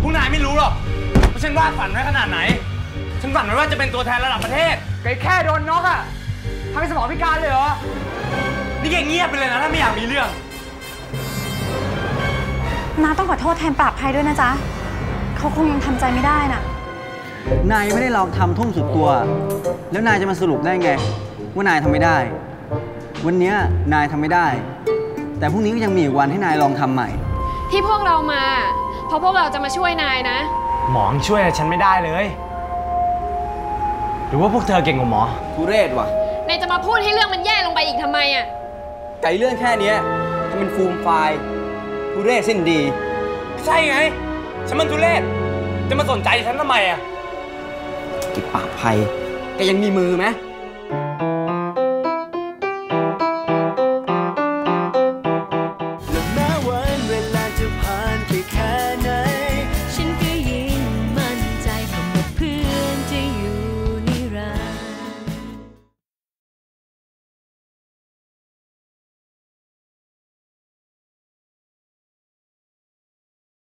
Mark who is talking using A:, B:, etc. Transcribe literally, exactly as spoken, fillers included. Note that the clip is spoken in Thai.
A: พวกนายไม่รู้หรอกว่าฉันวาดฝันไว้ขนาดไหนฉันฝันไว้ว่าจะเป็นตัวแทนระดับประเทศ
B: ไก่แค่โดนน็อกอะทำให้สมองพิการเลยเหรอ
A: นี่แกเงียบไปเลยนะถ้าไม่อยากมีเรื่อง
C: น้าต้องขอโทษแทนปราบภัยด้วยนะจ๊ะเขาคงยังทำใจไม่ได้น่ะ
D: นายไม่ได้ลองทำทุ่มสุดตัวแล้วนายจะมาสรุปได้ไงว่านายทำไม่ได้วันนี้นายทำไม่ได้แต่พรุ่งนี้ก็ยังมีอีกวันให้นายลองทำใหม่
E: ที่พวกเรามาเพราะพวกเราจะมาช่วยนายนะ
A: หมอช่วยฉันไม่ได้เลยหรือว่าพวกเธอเก่งกว่าหมอ
D: ทุเรศว่ะ
E: นายจะมาพูดให้เรื่องมันแย่ลงไปอีกทำไมอ่ะ
D: ไก่เรื่องแค่นี้ทำเป็นฟูมไฟล์ทุเรศสิ้นดี
A: ใช่ไงฉันมันทุเรศจะมาสนใจฉันทำไมอ่ะ
D: กิปากภัยแกยังมีมือไหม